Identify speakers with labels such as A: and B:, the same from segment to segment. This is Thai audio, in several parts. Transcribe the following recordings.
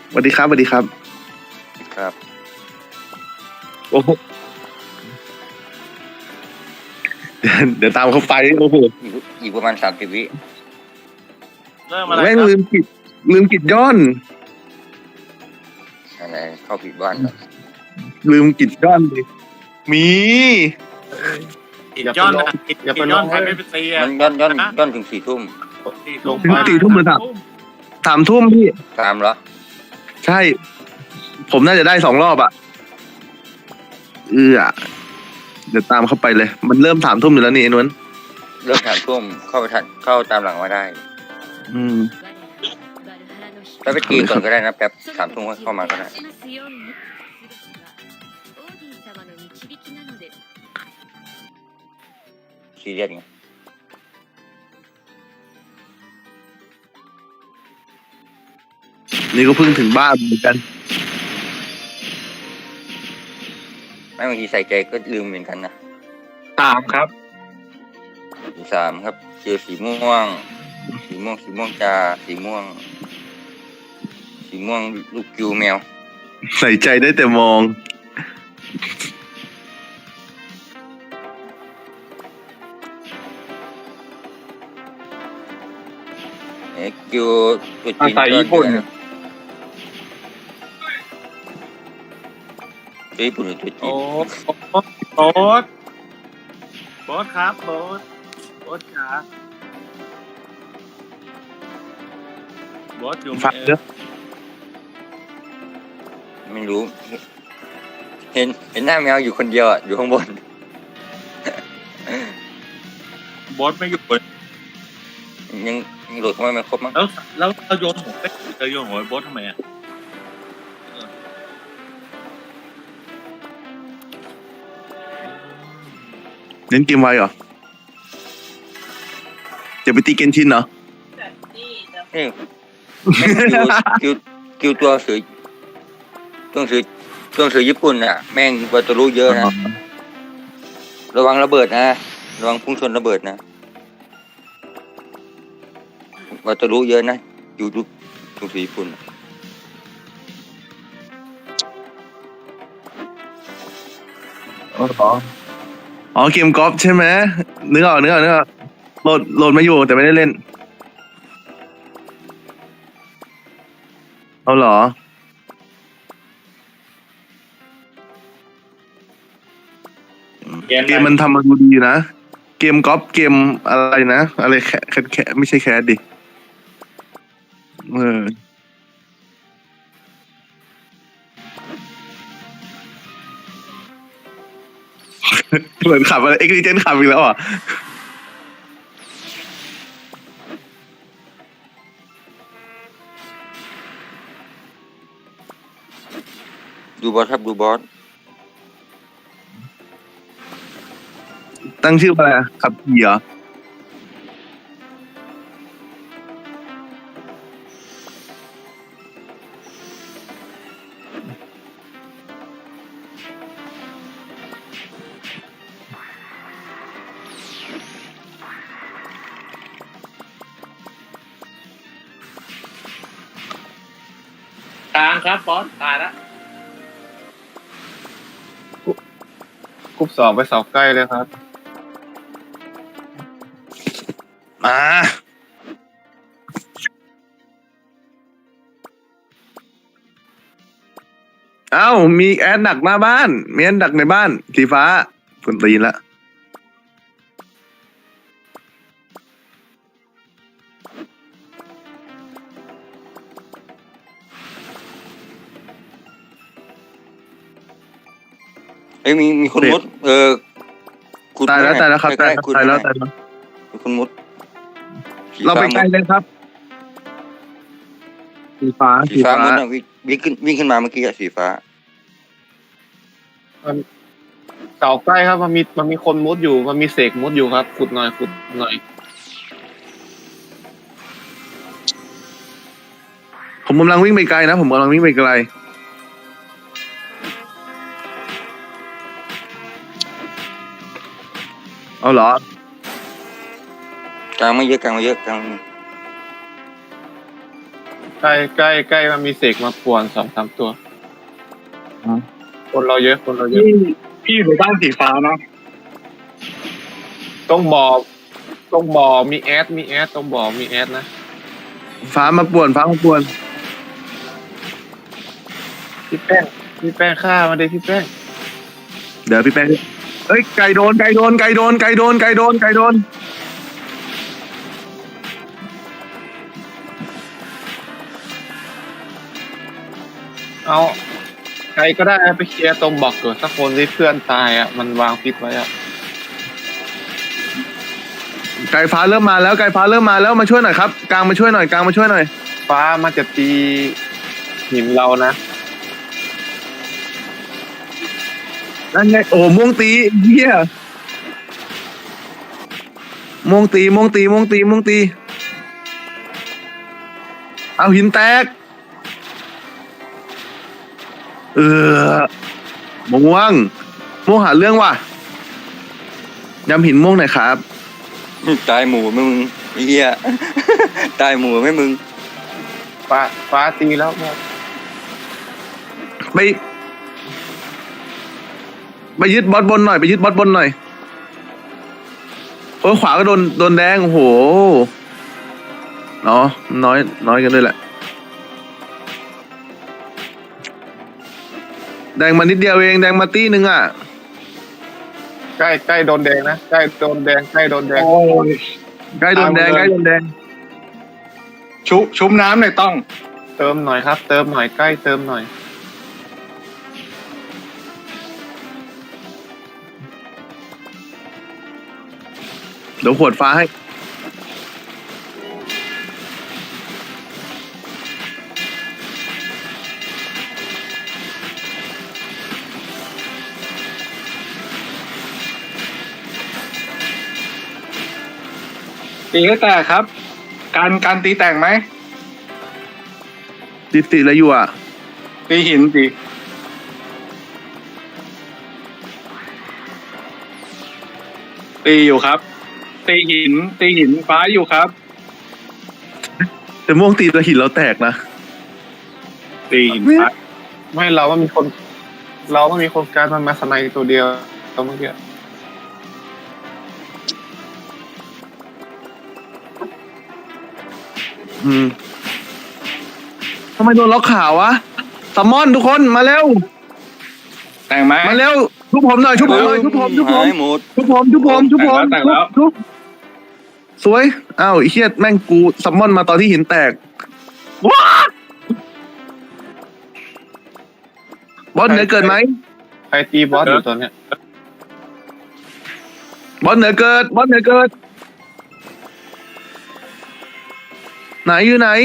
A: สวัสดีครับสวัสดีครับ
B: ครับ
A: โอ้โหเดี๋ยวตามเขาไปโอ้โห
B: อีกประมาณ30 วิ
C: เริ่มอะไร
A: แม่ง
C: ครับ
A: ลืมกิดย้อน
B: อะไรเข้าผิดบ้านเหรอ
A: ลืมกิดย้อนเลยมี
C: กินย้อนนะกินย้อนใครไม่ไปตีอ่ะ
B: มันย้อนถึง4 ทุ่ม
A: ถึง4 ทุ่มหรือ3 ทุ่มพี่
B: ตามเหรอ
A: ใช่ ผมน่าจะได้2 รอบอ่ะเดี๋ยวตามเข้าไปเลย มันเริ่ม3 ทุ่มอยู่แล้วนี่ไอ้นวล
B: เลิก3 ทุ่มเข้าไปทันเข้าตามหลังมาได้
A: อืม
B: แล้วไปตีก่อนก็ได้นะแป๊บ3 ทุ่มเข้ามาก็ได้ซีเรียสไง
A: นี่ก็เพิ่งถึงบ้านเหมือนกัน
B: ไม่บางทีใส่ใจก็ลืมเหมือนกันนะ
C: 3ครับ
B: 3ครับเจอสีม่วงจ้าสีม่วงลูกกิวแมว
A: ใส่ใจได้แต่มอง
B: กิวตัวจีนก็ญี่ปุ่นหรือตัวจี
C: โอ๊
B: น
C: ตโบ๊ทครับโบ๊ทครับโบ๊ทอยู่
A: ฟังเด้อ
B: ไม่รู้ เห็นหน้าแมวอยู่คนเดียวอ่ะอยู่ข้างบน
C: โบ๊ทไม่อยู่
B: ยังโหลดเข้ามาไม่ครบมั้ง
C: แล้วเราโยนหัวไปโยนหัวโบ๊ททำไมอ่ะ
A: เล่นเกมไวเหรอจะไปตีเกนชินเหรอ
B: นี่แม่งคิวตัวสือญี่ปุ่นอ่ะแม่งวัตถุเยอะนะระวังระเบิดนะระวังพุ่งชนระเบิดนะวัตถุเยอะนะอยู่ดูสือญี่ปุ่น
A: อ๋อเกมกอล์ฟใช่ไหมนึกออกโหลดมาอยู่แต่ไม่ได้เล่นเอาเหรอเกมมันทำมาดูดีนะเกมกอล์ฟเกมอะไรนะอะไรแค่ไม่ใช่แคสดิเหมือนขับอะไรเอ็กซ์เจนขับอีกแล้วอ่ะ
B: ดูบอสครับดูบอส
A: ตั้งชื่อว่าอะไรอะขับขี่เหรอ
C: กลางครับบอสตายละ
D: กรุ๊ป 2ไปเสาใกล้เลยครับ
A: มาเอ้ามีแอดดักหน้าบ้านมีแอดดักในบ้านสีฟ้าคุณตีนละ
B: เฮ้ยมีคนมุดขุด
A: ตายแล้ว
B: ไว้
A: ตายแล้วครับ
B: ใก
A: ตาย
B: ๆขุด
A: แล้ว
B: ไว้
A: ตายแล้ว
B: มีคนมุด
A: เราไปใกล้เลยครับสีฟ้า
B: สีฟ้ามุดอะวิ่งขึ้นมาเมื่อกี้อะสีฟ้า
D: เสาใกล้ครับมันมีคนมุดอยู่มันมีเสกมุดอยู่ครับขุดหน่อย
A: ผมกำลังวิ่งไปไกลนะผมกำลังวิ่งไปไกลเอาเหรอก
B: ลางไม่เยอะกลาง
D: กใกล้มันมีเสกมาป่วน2-3 ตัวคนเราเยอะ
C: พี่อยู่ในบ้านสีฟ้านะ
D: ต้องบ่อมีแอดต้องบ่อมีแอดนะ
A: ฟ้ามาป่วนฟ้ามาป่วน
D: พี่แป้งฆ่ามาดิพี่แป้ง
A: เดี๋ยวพี่แป้งเอ้ยไก่โดน
D: เอาใครก็ได้ไปเคลียร์ตรงบอกเกิดสักคนที่เพื่อนตายอ่ะมันวางพิษไว้อ่ะ
A: ไก่ฟ้าเริ่มมาแล้วมาช่วยหน่อยครับกลางมาช่วยหน่อย
D: ฟ้ามันจะตีหินเรานะ
A: นั่นไงโอ้ม่วงตีเหี้ยม่วงตีเอาหินแตกม่วงหาเรื่องว่ะยำหินม่วงหน่อยครับ
B: ตายหมู่ไหมมึงไอ้เหี้ย ตายหมู่ไหมมึง
D: ฟ้าตีแล้วเนี่ย
A: ไปยึดบอสบนหน่อยโอ้ยขวาก็โดนแดงโอ้โหเนาะน้อยกันด้วยแหละแดงมานิดเดียวเองแดงมาตี้นึงอ่ะ
D: ใกล้โดนแดงนะใกล้โดนแดง
C: โอ้ย
A: ใกล้โดนแดง
C: ชุบน้ำหน่อยต้อง
D: เติมหน่อยครับเติมหน่อยใกล้เติมหน่อย
A: เดี๋ยวขวดฟ้าให้
C: ตีให้แตกครับ การตีแตกไหม
A: ติอะไรอยู่อ่ะ
C: ตีหินสิตีอยู่ครับ ตีหินฟ้าอยู่ครับ
A: แต่ม่วงตีแล้วหินเราแตกนะ
C: ตีหินฟ้า
D: ไม่เราว่ามีคนการมันมาสไนด์ตัวเดียวตัวเมื่อกี้
A: ทำไมโดนล็อกขาวะซัมมอนทุกคนมาเร็ว
C: แต่งไหม
A: มาเร็วชุบผมหน่อยชุบผม
B: หายหมด
C: แต่งแล้ว
A: สวยอ้าวไอ้เหี้ยแม่งกูซัมมอนมาตอนที่หินแตกว้าบอสเหนือเกิดไหม
D: ใครตีบอสอยู่ตอนเนี้ย
A: บอสเหนือเกิดไหนอยู่ไหน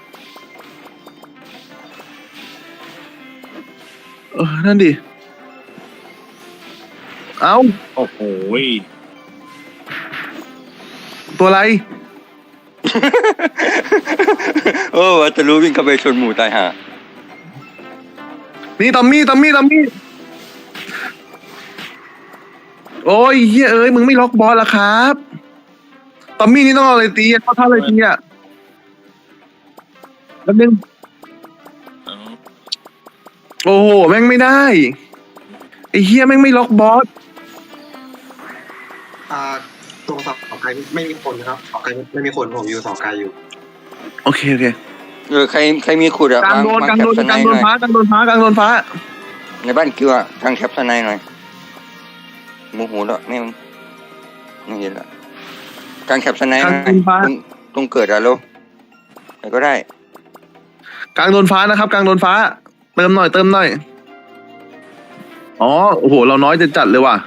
A: นั่นดิเอา
C: โอ้โห
A: ตัวอะไร
B: โอ้วัตลุวิ่งเข้าไปชนหมู่ตายห่า
A: นี่ตอมมี่โอ้ยเฮ้ยเอ้ยมึงไม่ล็อกบอลละครับตอมมี่นี่ต้องเอาอะไรตีอะเข้าท่าอะไรตีอะแป๊บนึงโอ้โหแม่งไม่ได้ไอ้เฮียแม่งไม่ล็อกบอส
E: ตรงเสาไกลไม่มีคนครับเสาไกลไม่มีคนผมอยู่เสาไกลอยู่
A: โอเค
B: ใครมีขุดอะ
A: กลางโดน
B: แคปสไนด์หน่อย
A: ฟ้ากลางโดนฟ้า
B: ในบ้านกิวอะทางแคปสไนด์หน่อยโมโหแล้วไม่เห็นละทางแคปสไนด์หน่อยตรงเกิดอะโลไหนก็ได้
A: กลางโดนฟ้านะครับกลางโดนฟ้าเติมหน่อยอ๋อโอ้โหเราน้อยจะจัดเลยว่ะ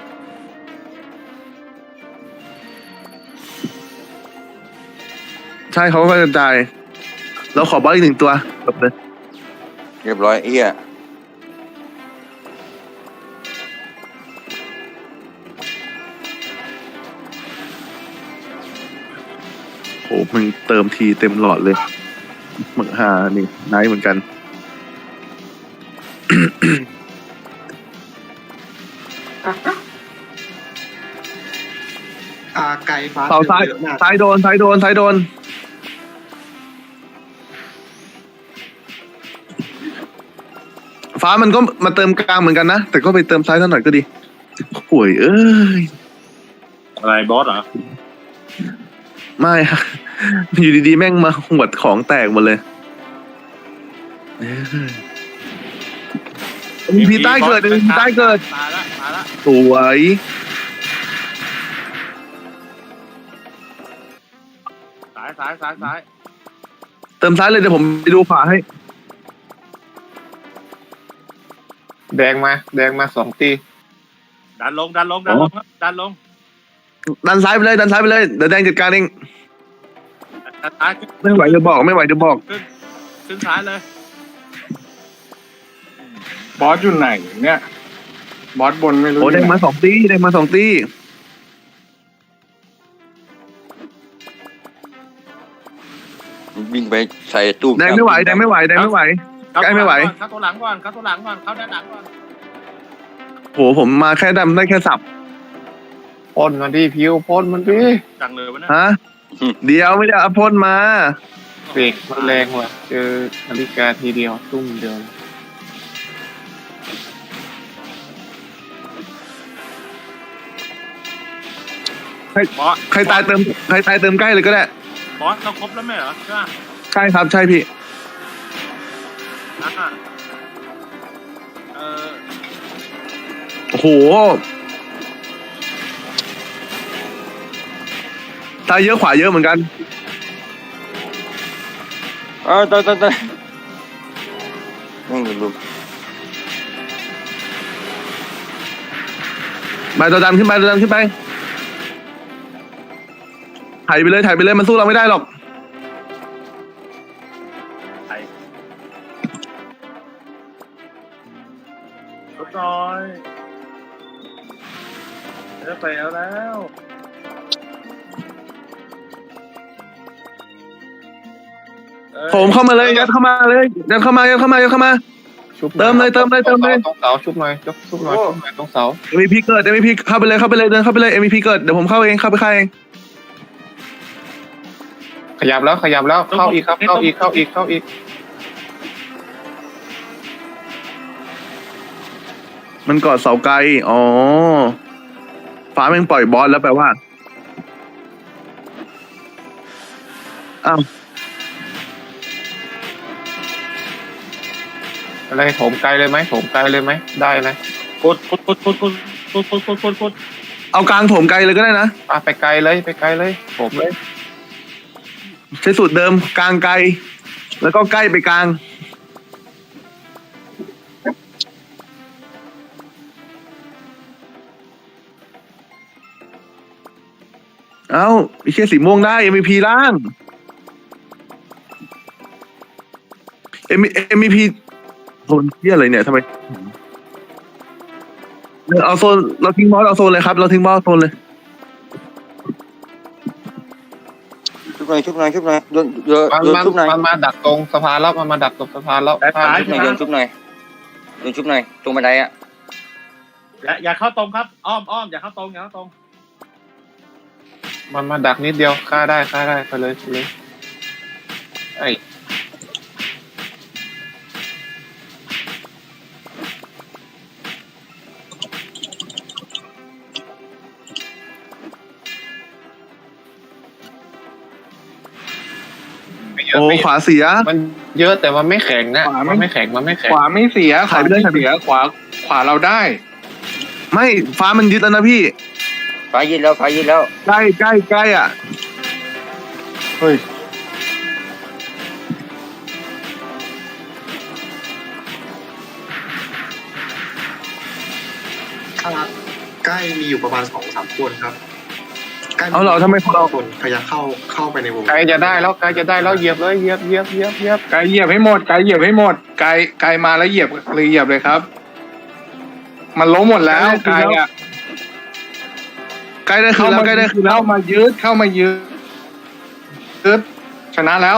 A: ใช่เขาก็กระจายเราขอบอลอีก1 ตัวจบเลย
B: เรียบร้อยเอี้ย
A: โอ้มึงเติมทีเต็มหลอดเลยหมึกหานี่ไนท์เหมือนกัน
E: ไกลฟ้า
A: เสาซ้าย
E: เยอะมาก
A: ซ้ายโดนฟ้ามันก็มาเติมกลางเหมือนกันนะแต่ก็ไปเติมซ้ายสักหน่อยก็ดีป่วยย
C: อะไรบอสเหรอ
A: ไม่ฮะอยู่ดีๆแม่งมาหวดของแตกหมดเลยมีพีใต้เกิดมีพีใต้เกิด
C: ตายละตายละ
A: สวย
C: ซ้าย
A: เติมซ้ายเลยเดี๋ยวผมไปดูขวาให้
D: แดงมา2 ตี
C: ดันลงครับดันลง
A: ดันซ้ายไปเลยดันซ้ายไปเลยเดี๋ยวแดงจัดการเอง
C: ดันซ้าย
A: ไม่ไหวจะบอกไม่ไหวจะบอก
C: ขึ้นซ้ายเลย
F: บอสอยู่ไหนเนี่ยบอสบนไม่รู้
A: โอ้
F: อยู่
A: แดง
F: ไหน
A: มา2 ตีแดงมา2 ตี
B: วิ่งไปใส่ตู้
A: แดงไม่ไหวแดงไม่ไหวแดงไม่ไหว ใกล้ไม่ไหว
C: เข้าตัวหลังก่อนเข้าด้านหลังก่อน
A: โหผมมาแค่ดำได้แค่สับ
D: พ่นมันดิพิวพ่นมันดิ
C: จังเลยวะเนี่ย
A: ฮะเดี๋ยวไม่ได้เอาพ่นมา
D: เบรกมันแรงว่ะเจอนาฬิกาทีเดียวตุ้มเดียว
C: บอส
A: ใครตายเติมใกล้เลยก็ได้
C: บอสเราครบแล้วไหมเหรอใช่ไหม
A: ใช่ครับใช่พี่
C: อ่ะ
A: โอ้โหตายเยอะขวาเยอะเหมือนกัน
B: ตายนั่งอยู่ลุม
A: ไปตัวดันขึ้นไปถ่ายไปเลยมันสู้เราไม่ได้หรอก
C: ลดน้อยจะไปแล้ว
A: ผมเข้ามาเลยยัดเข้ามา
D: ชุบ
A: เติมเลย
D: ตรงเสาชุบหน่อยชุบหน่อยตรงเสา
A: MVP เกิด MVP เข้าไปเลยเดินเข้าไปเลย MVP เกิดเดี๋ยวผมเข้าไปฆ่าเอง
D: ขยับแล้วเข้าอีกครับเข้าอีก
A: มันกอดเสาไกลอ๋อฟ้าแม่งปล่อยบอสแล้วแปลว่าอ้าว
D: อะไรโถมไกลเลยไหมได้นะ
C: กด
A: เอากลางโถมไกลเลยก็ได้นะ
D: ไปไกลเลยผมเลย
A: ใช้สูตรเดิมกลางไกลแล้วก็ใกล้ไปกลางเอ้าไอ้เชี่ยสีม่วงได้ MVP ล่าง MVP โซนเชี่ยอะไรเนี่ยทำไมเอาโซนเราทิ้งบอสเอาโซนเลยครับเราทิ้งบอสโซนเลย
B: ชุบหน่อยโดนชุบหน่อย
D: มันมาดักตรงสะพานแล้วมันมาดักตรงสะพานแล้ว
B: โดนชุบหน่อยตรงบันไดอ่ะ
C: อย่าเข้าตรงครับอ้อมอย่าเข้าตรง
D: มันมาดักนิดเดียวฆ่าได้ไปเลยไอ้
A: โอ้ขวาเสีย
D: มันเยอะแต่มันไม่แข็งนะมันไม่แข็ง
F: ขวาไม่เสียขวาเราได้
A: ไม่ฟ้ามันยึดแล้วนะพี่
B: ฟ้ายินแล้ว
A: ใกล้อ่ะ
F: เฮ้ย
E: ใกล้มีอยู่ประมาณ2-3 คนครับใกล้
A: เอาเหรอทำไมเรา
E: คนพยายามเข้าไปในวง
D: ไกลจะได้แล้วเหยียบเลยเหยียบ
F: ไกลเหยียบให้หมดไกลมาแล้วเหยียบเลยครับ มันล้มหมดแล้วไกลอ่ะ
A: ใกล้ได้คืนแล้ว
F: เข้ามายืดชนะแล้ว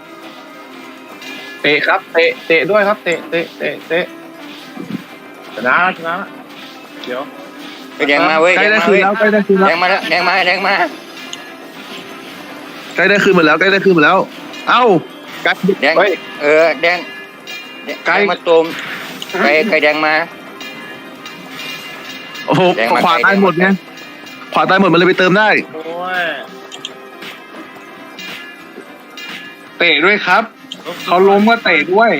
D: เตะครับเตะด้วยครับเตะ
C: ชนะเดี๋ยว
B: ไปแดงมาเว้ย
A: ใกล้ได้คืนแล้ว
B: แดงมาแล้วแดงมา
A: ใกล้ได้คืนหมดแล้วเอ้า
B: แดงแดงมาตูมไก่แดงมา
A: โอ้โห
B: แดงมา
A: ขวาตายหมดไงขวาตายหมดมันเลยไปเติมได้
C: โอ้ย
F: เตะด้วยครับ เขาล้มก็เตะด้วย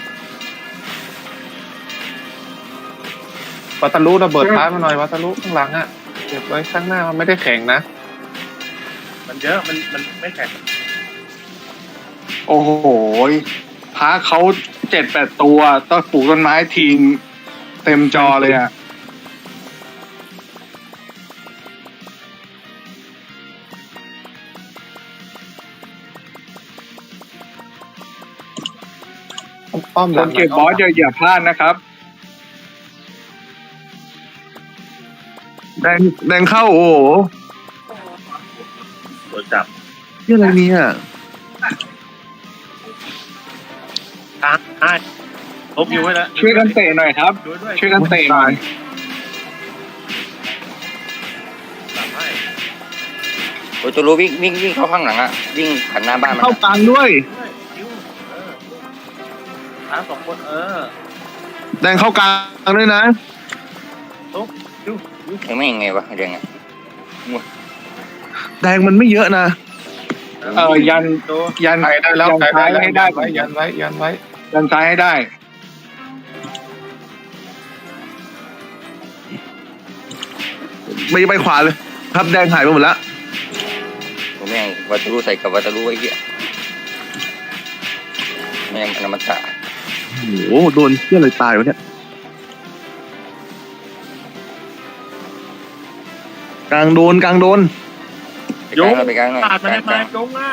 D: วัตลุระเบิดท้ายมาหน่อยวัตลุข้างหลังอ่ะเก็บไว้ข้างหน้ามันไม่ได้แข็งนะ
C: มันเยอะมันไม่แข็ง
F: โอ้โหพระเขา7-8 ตัวต้องปลูกต้นไม้ทิ้งเต็มจอเลยอ่ะ
D: อ้อมห
F: ค
D: ลัง
F: นเก็บบอสอย่าพลาดนะครับ
A: แดงเข้าโอ้โห
C: โดนจับ
A: เรื่องอะไรเนี่ย
C: ตามได้ลบอยู่ไว้แล้ว
F: ช่วยกันเตะหน่อยครับ
C: ดูด้วย
F: ช่วยกันเตะหน่อย
C: ตามให้
B: โอ้ยตัวรู้วิ่งเข้าข้างหลังอ่ะวิ่งผ่านหน้าบ้านมัน
A: เข้ากลางด้วย
C: ด้วยคิวตาม2 คน
A: แดงเข้ากลางด้วยนะ
C: คิว
B: ยังไม่ยังไงวะยังไง
A: แดงมันไม่เยอะนะ
F: ยัน
C: ตัว
F: ยัน
D: ไกลได้แล้ว
F: ยัน
D: ไกลได้
F: ซ้าย
D: แล้ว
F: ให้ได้
D: ยันไว้ยันไว้
F: ยันซ้ายให้ได้
A: ไม่ไปขวาเลย ครับแดงหายไปหมดแล้ว
B: ผมแม่งวัตถุใส่กับวัตถุไอ้เหี้ยแม่งอมตะ
A: โอ้โหโดนเชื่อเลยตายวะเนี่ยกลางโดน
B: ไปกลางหน่อยไปกลางหน่อย
C: ขาด
B: ก
C: มา
B: ลา
C: ได้
B: ง
C: ไหมจงอ่ะ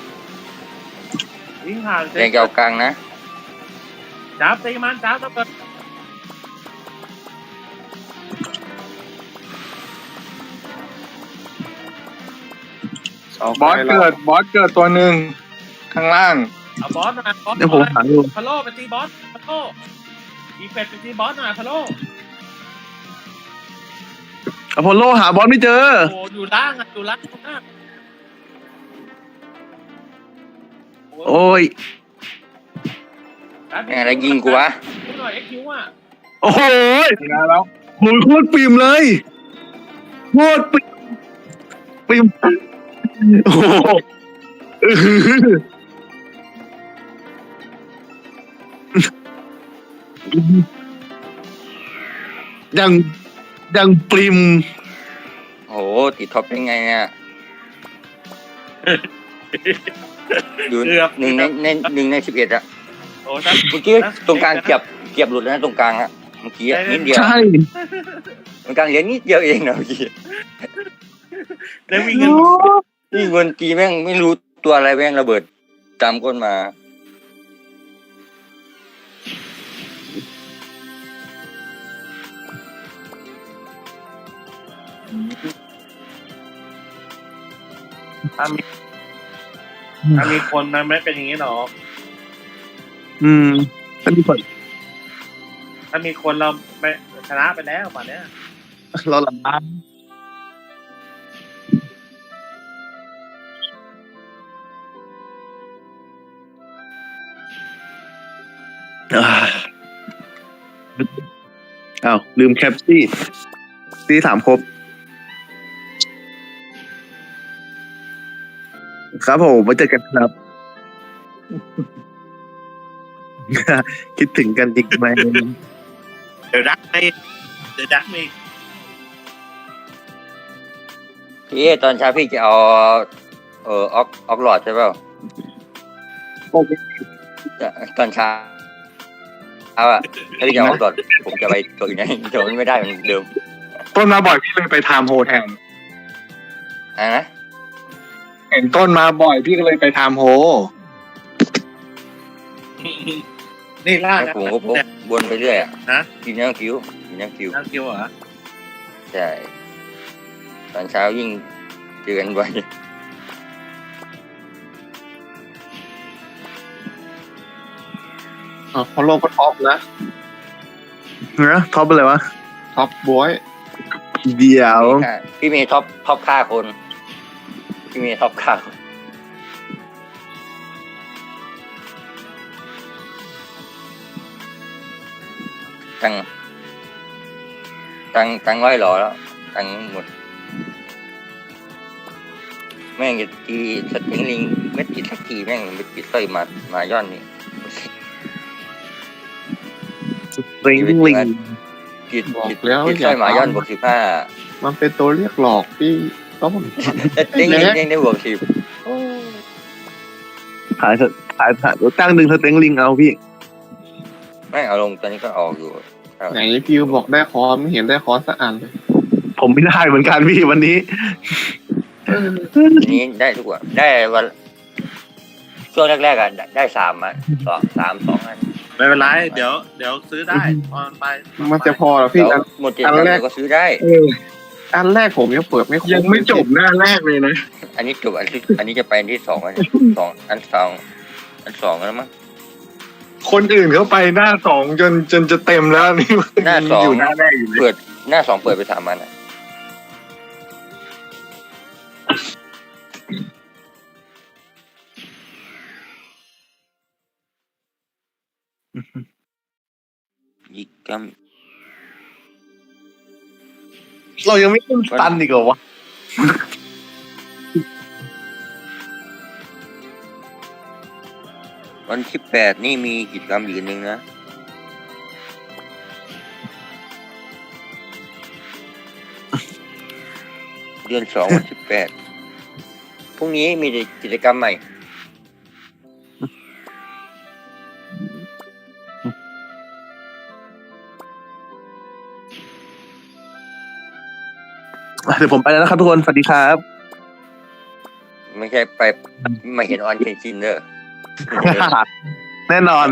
C: วิ่งผ่าน
B: แดงจะเอากลางนะ
C: จับตีมันจับตะเปิด
F: บอสเกิดตัวหนึ่งข้างล่าง
C: เอาบอสหน่อยบอส
A: เดี๋ยวผมหาดู
C: พะโล่ไปตีบอสพะโล่อีเป็ดไปตีบอสหน่อยพะโล่
A: อพอลโลหาบอสไม่เจอ
C: โอ้อยู่ล่างอ่ะอยู่ล่างมาก
A: โอ้ย
B: แม่งอะไรยิงกูวะ
C: ดูหน่อยเอ็กคิวอ่ะ
A: โอ้โห
F: ชนะแล้ว
A: โหโคตรปิ่มเลยโคตรปิ่มโอ้โหอื้อหือยังปริม
B: โอ้โหติดท็อปได้ไงเนี่ยอยู่1 ใน 11อะ
C: โอ้ถ้า
B: เมื่อกี้ตรงกลางเกียบหลุดแล้วนะตรงกลางอะเมื่อกี้นิดเดียว
A: ใช่
B: ตรงกลางเหลือนิดเดียวเองนะเมื่อกี้
C: ได้วิ่งกัน
B: นี่เงินกีแม่งไม่รู้ตัวอะไรแม่งระเบิดตามก้นมา
C: ถ้ามีคนมันไม่เป็นอย่างนี้หรอก
A: ท่านผู้ชม
C: ถ้ามีคนเราไม่ชนะไปแล้วป่านเนี้ย
A: เราหลับอ้าวลืมแคปซี่ถามครบ ครับผมไว้เจอกันครับ คิดถึงกันจริงไหม
C: เดี๋ยวดักไม่
B: พี่ตอนเช้าพี่จะเอาออกหลอดใช่เปล่าตอนเช้าอะถ้าพี่จะเอาออกหลอดผมจะไปตัวอื่นนะตัวนี้ไม่ได้เหมือนเดิม
F: ต้นมาบ่อยพี่เลยไปไทม์โฮแทน
B: อะไรนะ
F: เห็นต้นมาบ่อยพี่ก็เลยไปไทม์โฮ
C: นี่ล่า
B: แล้วผมก็พกวนไปเรื่อยอะ
C: นะ
B: กินน้ำคิ้ว
C: นั่งคิวเหรอ
B: ใช่ตอนเช้ายิ่งเจอกันบ่อย
D: พอโลก็ท็อปนะ
A: นะท็อปอะไรวะ
D: ท็อปบวย
A: เดี๋ยว
B: พี่เมย์ท็อปฆ่าคนพี่เมย์ท็อปฆ่าคนตังค์ร้อยหล่อแล้วตังค์หมดแม่งจะตีสติงลิงเม็ดติดสักทีแม่งไม่ติดสร้อยมาย่อนนี่
A: ริงลิง
B: ติด
D: บอก
B: ติด
D: แล้ว
B: ติด
D: อ
B: สร้
D: ย่า
B: อยมาย่อนบวก15
D: มันเป็นตัวเรียกหลอกพี่ต้อง
B: สติงลิงยังได้บวก10
A: ขายตั้งดึงสเต็งลิงเอาพี่
B: แม่งเอาลงตอนนี้ก็ออกอยู่
D: ไหนพิวบอกได้คอนไม่เห็นได้คอนสักอันเลย
A: ผมไม่ได้เหมือนกันพี่วันนี้
B: ทีนี้ได้ทุกวันได้วันช่วงแรกๆอ่ะได้3อ่ะ2 อัน
C: ไม่เป็นไรเดี๋ยวซื้อได้ตอนไป
D: มันจะพอเหรอพี่
B: แล้ว
D: อัน
B: หมด7 วันก็ซื้อได้
D: อันแรกผมยังเปิดไม่ครบ
F: ยังไม่จบหน้าแรกเลยนะ
B: อันนี้จบอันนี้จะไปอันที่2อันสองแล้วมั้ง
F: คนอื่นเขาไปหน้าสองจนจะเต็มแล้วนี่
B: หน้า2
F: อยู่หน้าแรกอยู่เลย
B: เปิดหน้า2เปิดไป3 อันอ่ะยิกกัม
A: เรายังไม่ขึ้นสตันอีกเหรอวะ
B: วันที่8นี่มีกิจกรรมอีกอันหนึ่งนะเดือน2วันที่8พรุ่งนี้มีกิจกรรมใหม่
A: เดี๋ยวผมไปแล้วนะครับทุกคนสวัสดีครับ
B: ไม่ใช่ไปมาเห็นออนเคนชินเด้อ
A: แน่นอน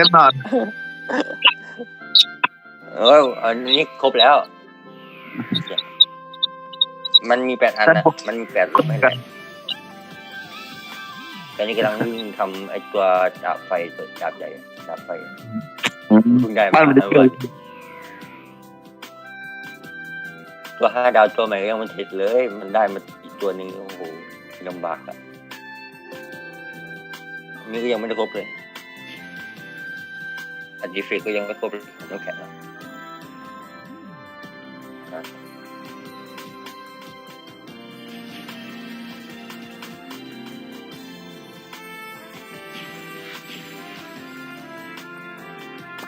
B: อันนี้ครบแล้ว มันมี8 อันนะมันมี8รูปให้ได้ตอนนี้กำลังวิ่งทำไอ้ตัวดาบไฟตัวดาบใหญ่ดาบไฟเพิ่งได้มา
A: บ้านมันจะ
B: แล้ว
A: เกิด
B: ตัว5 ดาวตัวใหม่ยังมันเสร็จเลย มันได้มาอีกตัวหนึ่งโอ้โหลำบากอ่ะนี่ก็ยังไม่ได้ครบเลยอันดีเฟกก็ยังไม่ครบเลยน้ำแข็งอ่ะ